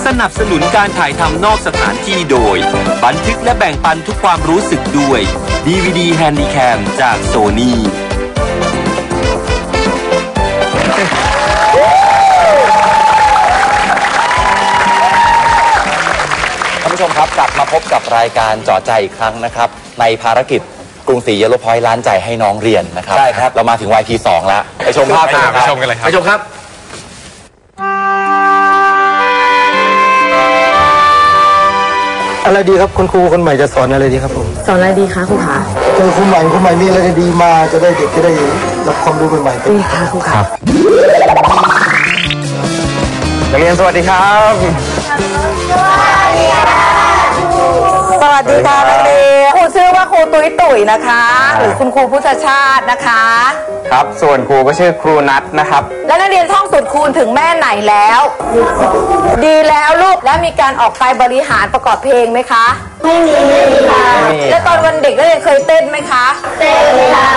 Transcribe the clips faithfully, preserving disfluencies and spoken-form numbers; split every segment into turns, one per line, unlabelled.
สนับสนุนการถ่ายทำนอกสถานที่โดยบันทึกและแบ่งปันทุกความรู้สึกด้วย ดี วี ดี Handycam จากโซนี่
ท่านผู้ชมครับกลับมาพบกับรายการเจาะใจอีกครั้งนะครับในภารกิจกรุงศรีเยลโลพอยต์ล้านใจให้น้องเรียนนะครับใช่ครับเรามาถึง วาย พี สอง แล้วไปชมภาพกันครับไปชมกันเลยครับไปชมครับ
อะไรดีครับคุณครูคนใหม่จะสอนอะไรดีครับผม
สอนอะไรดีคะครูคะ
เจอครูใหม่ครูใหม่มีอะไรดีมาจะได้เด็กจะได้รับความรู้ใหม่ๆ
ดีค่ะครูค่ะ
นักเรียนสวัสดีครับ
สวัสดีค่ะนักเรียนครูชื่อว่าครูตุ้ยตุ๋ยนะคะหรือคุณครูพุทธชาตินะคะ
ครับส่วนครูก็ชื่อครูนัทนะครับ
และนักเรียนท่องสูตรคูณถึงแม่ไหนแล้วดีแล้วลูกและมีการออกไปบริหารประกอบเพลงไหมคะไม่มีค่ะและตอนวันเด็กนักเรียนเคยเต้นไหมคะเต้นค่ะ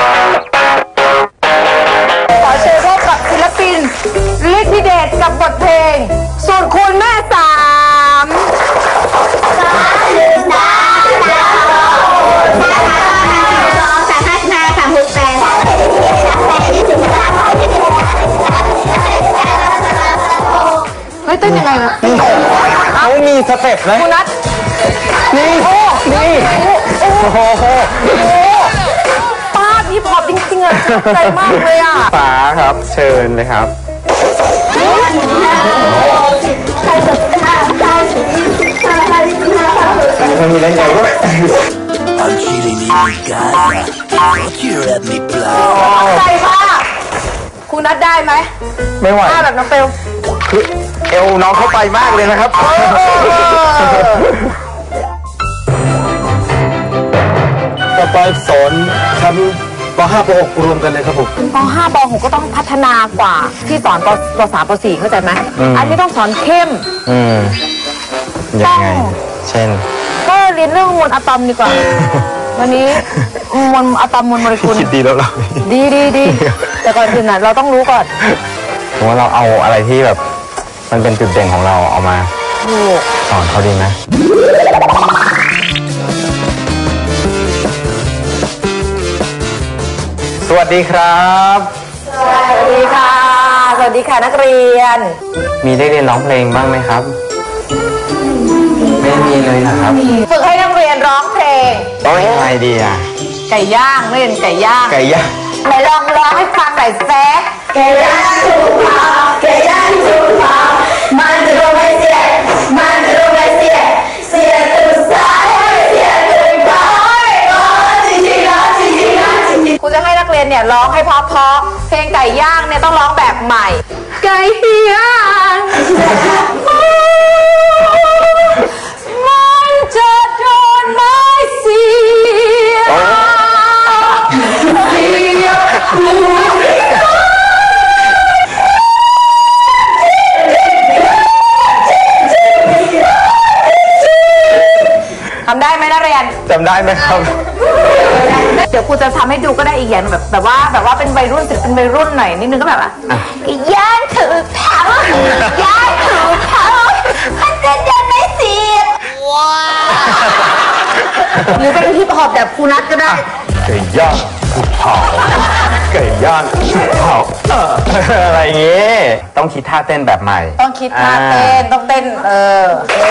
ขอเชิญพบกับศิลปินฤทธิเดชกับบทเพลงสูตรคูณแม่สามสามหนึ่งสามสามสองสองสามห้าสิบห้าสามหกแปดเฮ้ยเต้นยังไงวะ
เขามีสเต็ปนะ
คุณนัท
นี่นี่โอ้โห
ป้าพี่พอจริงๆอ่ะใจมากเลยอ่ะ
ป๋าครับเชิญเลยครับมันมีอะไรใหญ่ด้วย
I'm chilling in Gaza. You're at me blow.
ใจมากคุณนัดได้ไหม
ไม่ไหว
แบบน้องเปลว
คือเอวน้องเข้าไปมากเลยนะครับ
ต่อไปสอนชั้นป .ห้า ป .หก รวมกันเลยครับผม
ป .ห้า ป .หก ก็ต้องพัฒนากว่าที่สอนป .สาม ป .สี่ เข้าใจไหมอันนี้ต้องสอนเข้ม
อืมยังไงเช่น
ก็เรียนเรื่องมวลอะตอมดีกว่าวันนี้มวลอะตอมมวลโมเลกุล
คิดดีแล้วเรา
ดีดีดีแต่ก่อนอื่นน่ะเราต้องรู้ก่อน
ผมว่าเราเอาอะไรที่แบบมันเป็นจุดเด่นของเราเอามาสอนเขาดีไหมสวัสดีครับ
สวัสดีค่ะสวัสดีค่ะนักเรียน
มีได้เรียนร้องเพลงบ้างไหมครับไม่มีเลยนะครับ
ฝึกให้นักเรียนร้องเพลง
ร้องอะไรดีอ่ะ
ไก่ย่างเล่นไก่ย่าง
ไก่ย่าง
ไหนลองร้องให้ฟังหน่อยแซ่ไก่ย่างถูกเผาไก่ย่างถูกเผามันจะโดนไม่เสียมันจะโดนไม่เสียเสียตื่นสายเสียตื่นบ่ายจริงจริงนะจริงจริงนะจริงจริงครูจะให้นักเรียนเนี่ยร้องให้เพราะๆเพลงไก่ย่างเนี่ยต้องร้องแบบใหม่ไก่ย่างมันจะโดนไม่เสียทำได้ไหมนักเรียน
จำได้ไหมครับ
เดี๋ยวครูจะทำให้ดูก็ได้อีกอย่างแบบแบบว่าแบบว่าเป็นวัยรุ่นศิลปินวัยรุ่นหน่อยนิดนึงก็แบบว่าย่างถือเผาย่างถือเผามันจะโดนไม่เสียว้าหรือเป็นฮิปฮอปแบบครูนัทก็ได้
ไก่ย่างถูกเผาไก่ย่างถูกเผาอะไรอย่างงี้ต้องคิดท่าเต้นแบบใหม่
ต้องคิดท่าเต้นต้องเต้นเออ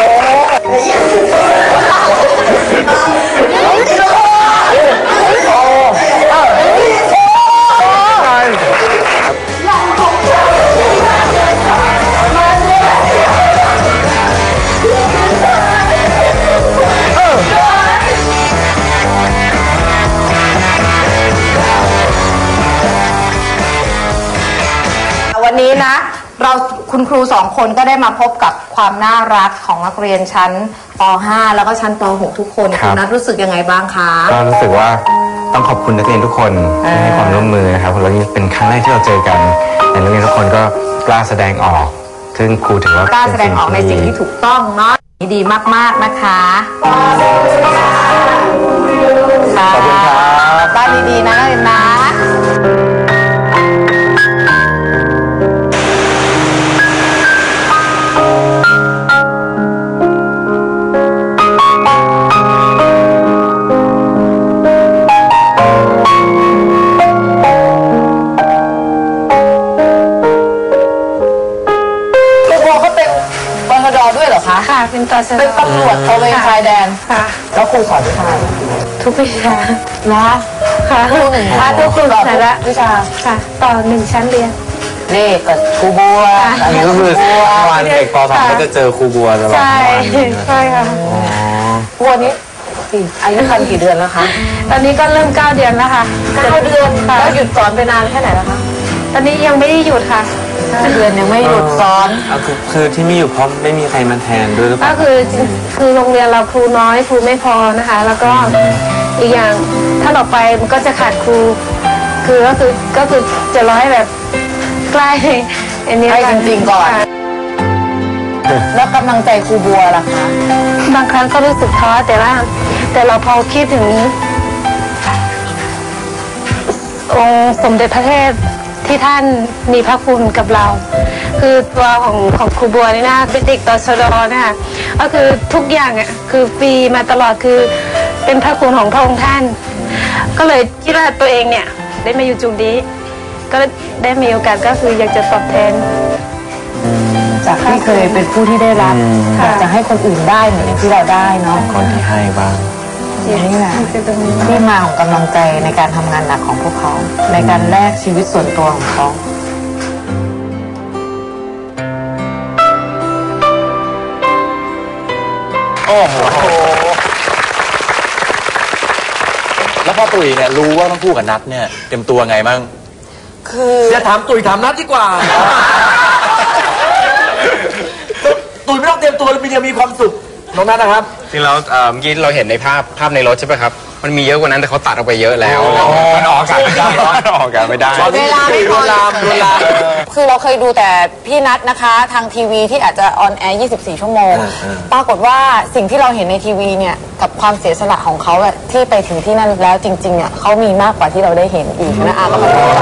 วันนี้นะเราคุณครูสองคนก็ได้มาพบกับความน่ารักของนักเรียนชั้นป .ห้า แล้วก็ชั้นป .หก ทุกคนคุณนัทรู้สึกยังไงบ้างคะ
ก็รู้สึกว่าต้องขอบคุณนักเรียนทุกคนที่ให้ความร่วมมือนะครับเพราะนี่เป็นครั้งแรกที่เราเจอกันแต่นักเรียนทุกคนก็กล้าแสดงออกซึ่งครูถือว่าก
ล้าแสดงออกในสิ่งที่ถูกต้องเนาะดีมากๆนะคะข
อบคุณครับ
บ้านดีๆนะนักเรียนนะรด้วยเหรอคะ
ค่ะเป็นตชด
เป็นตำรวจตระเวนชายแดน
ค่ะ
แล้วครูสอนวิชา
ทุกวิชา
นะ
ค่ะ
ครูหนึ่ง
ค่ะทุกครู
สอน
สาระ
วิชา
ค่ะ ต่อหนึ่งชั้นเรียน
นี่กับครูบัว
อันนี้ก็คือวันเด็กป .สอง ก็จะเจอครูบัวตลอด
ใช่ใช่ค่ะ
บัวนี้กี่อายุคันกี่เดือนแล้วคะ
ตอนนี้ก็เริ่มเก้าเดือนแล้วค่ะ
เก้าเดือน
ค่ะ
แล้วหยุดสอนไปนานแค่ไหนแล้วคะ
ตอนนี้ยังไม่ได้หยุดค่ะ
เก้าเดือนยังไม่หยุดสอน
อ่ะคือคือที่มีอยู่เพราะไม่มีใครมาแทนด้วยหรือเป
ก็
ล่า
คือคือโรงเรียนเราครูน้อยครูไม่พอนะคะ แล้วก็อีกอย่างถ้าเราไปมันก็จะขาดครู คือก็คือก็คือจะร้อยแบบใกล้อันนี้
ให้จริงๆก่อน
ค่ะ
แล้วกำลังใจครูบัวล่ะคะ
บางครั้งก็รู้สึกท้อแต่ว่าแต่เราพอคิดถึงองค์สมเด็จพระเทพที่ท่านมีพระคุณกับเรา คือตัวของของครูบัวนี่นะเป็นเด็กตชดนะคะก็คือทุกอย่างอ่ะคือฟรีมาตลอดคือเป็นพระคุณของพระองค์ท่าน ก็เลยคิดว่าตัวเองเนี่ยได้มาอยู่จุดนี้ ก็ได้มีโอกาสก็คืออยากจะตอบแทน
จากที่เคยเป็นผู้ที่ได้รับอยากจะให้คนอื่นได้เหมือนอย่างที่เราได้เนาะ
คนที่ให้บ้าง
นี่แหละที่มาของกำลังใจในการทำงานหนักของพวกเขา ในการแลกชีวิตส่วนตัวของเขา
โอ้โหแล้วพ่อตุ๋ยเนี่ยรู้ว่าต้องพูดกับนัทเนี่ยเต็มตัวไงมั่ง
จะถามตุ๋ยถามนัดดีกว่า ตุ๋ยไม่ต้องเตรียมตัวมีเดียวมีความสุขน้องนัทนะครับ
จริงแล้วเอ่อเมื่อกี้เราเห็นในภาพภาพในรถใช่ไหมครับ มันมีเยอะกว่านั้นแต่เขาตัดออกไปเยอะแล้วมันออกอากาศไม่ได้มันออกอากาศไม่ได้
เวลาไม่พอ
ลามลวนลาม
คือเราเคยดูแต่พี่นัทนะคะ ทางทีวีที่อาจจะออนแอร์ ยี่สิบสี่ ชั่วโมง ปรากฏว่าสิ่งที่เราเห็นในทีวีเนี่ยกับความเสียสละของเขาอะที่ไปถึงที่นั่นแล้วจริงๆอะเขามีมากกว่าที่เราได้เห็นอีกนะอาก็มาดูไป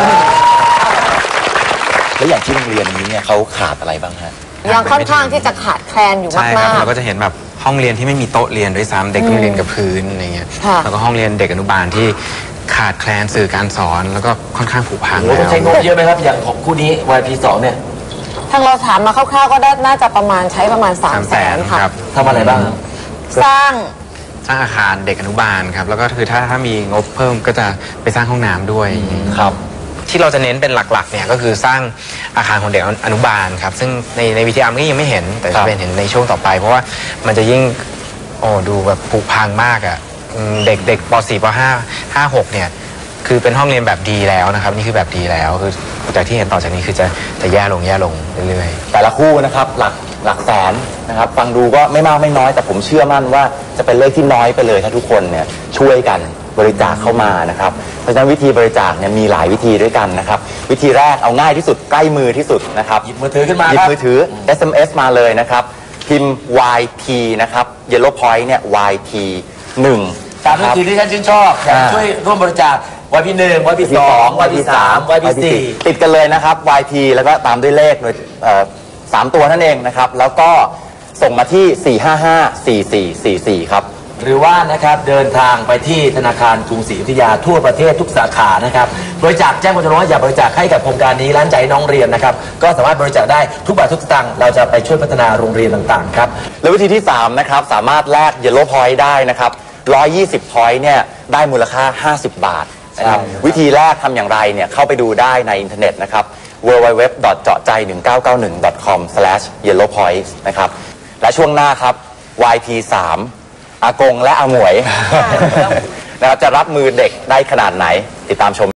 แล้วอย่างที่โรงเรียนนี้เนี่ยเขาขาดอะไรบ้างฮะ
ยังค่อนข้างที่จะขาดแคลนอยู่
ใช่ครั
มา
บ
ก
เราก็จะเห็นแบบห้องเรียนที่ไม่มีโต๊ะเรียนด้วยซ้ำเด็กต้องเรียนกับพื้นอะไรเงี้ย
ค่ะ
แล้วก็ห้องเรียนเด็กอนุบาลที่ขาดแคลนสื่อการสอนแล้วก็ค่อนข้างผุพัง
โอ้โห
แล้
ต้อง
ว
ใช้งบเยอะไหมครับ อย่างของคู่นี้ วาย พี สองเนี่ย
ๆทางเราถามมาคร่าวๆก็น่าจะประมาณใช้ประมาณ3
สาม
แส
แส
น
น
ค่ะ
ครับ
ทำอะไรบ้างครับ
สร้าง
สร้างอาคารเด็กอนุบาลครับแล้วก็คือถ้าถ้ามีงบเพิ่มก็จะไปสร้างห้องน้ำด้วย
ครับ
ที่เราจะเน้นเป็นหลักๆเนี่ยก็คือสร้างอาคารของเด็กอนุบาลครับซึ่งในในวิทยามันก็ยังไม่เห็นแต่
ครั
จะ
บ
เป็นเห็นในช่วงต่อไป เพราะว่ามันจะยิ่งโอ้ดูแบบผุพังมากอ่ะอืมเด็กเด็กป .สี่ ป .ห้า ห้า หกเนี่ยคือเป็นห้องเรียนแบบดีแล้วนะครับนี่คือแบบดีแล้วคือจากที่เห็นต่อจากนี้คือจะจะแย่ลงแย่ลงเรื่อยๆ
แต่ละคู่นะครับหลักหลักแสนนะครับฟังดูก็ไม่มากไม่น้อยแต่ผมเชื่อมั่นว่าจะเป็นเลขที่น้อยไปเลยถ้าทุกคนเนี่ยช่วยกันบริจาคเข้ามานะครับเพราะฉะนั้นวิธีบริจาคเนี่ยมีหลายวิธีด้วยกันนะครับวิธีแรกเอาง่ายที่สุดใกล้มือที่สุดนะครับ
หยิบมือถือขึ้นมา
หยิ
ค
บ
รับ
มือถือ เอส เอ็ม เอส มาเลยนะครับพิมพ์ วาย พี นะครับ Yellow Point เนี่ย วาย พี หนึ่ง
ตามวิธีที่ท่านชื่นชอบอยากช่วยร่วมบริจาค วาย พี หนึ่ง วาย พี สอง วาย พี สาม วาย พี สี่
ติดกันเลยนะครับ วาย พี แล้วก็ตามด้วยเลขโดยเอ่อสามตัวนั่นเองนะครับแล้วก็ส่งมาที่ สี่ ห้า ห้า สี่ สี่ สี่ สี่ ครับ
หรือว่านะครับเดินทางไปที่ธนาคารกรุงศรีอยุธยาทั่วประเทศทุกสาขานะครับบริจาคแจ้งความจำนงว่าอยากบริจาคให้กับโครงการนี้ร้านใจน้องเรียนนะครับก็สามารถบริจาคได้ทุกบาททุกสตางค์เราจะไปช่วยพัฒนาโรงเรียนต่างๆครับ
แล้ววิธีที่สามนะครับสามารถแลก Yellow Point ได้นะครับหนึ่งร้อยยี่สิบ point เนี่ยได้มูลค่าห้าสิบบาทนะครับ
ใช่
วิธีแรกทำอย่างไรเนี่ยเข้าไปดูได้ในอินเทอร์เน็ตนะครับ ดับเบิลยู ดับเบิลยู ดับเบิลยู ดอท เจาะใจ หนึ่งเก้าเก้าหนึ่ง ดอท คอม สแลช เยลโลว์พอยต์ นะครับและช่วงหน้าครับ วาย พี สาม อากงและอาหมวยนะครับจะรับมือเด็กได้ขนาดไหนติดตามชม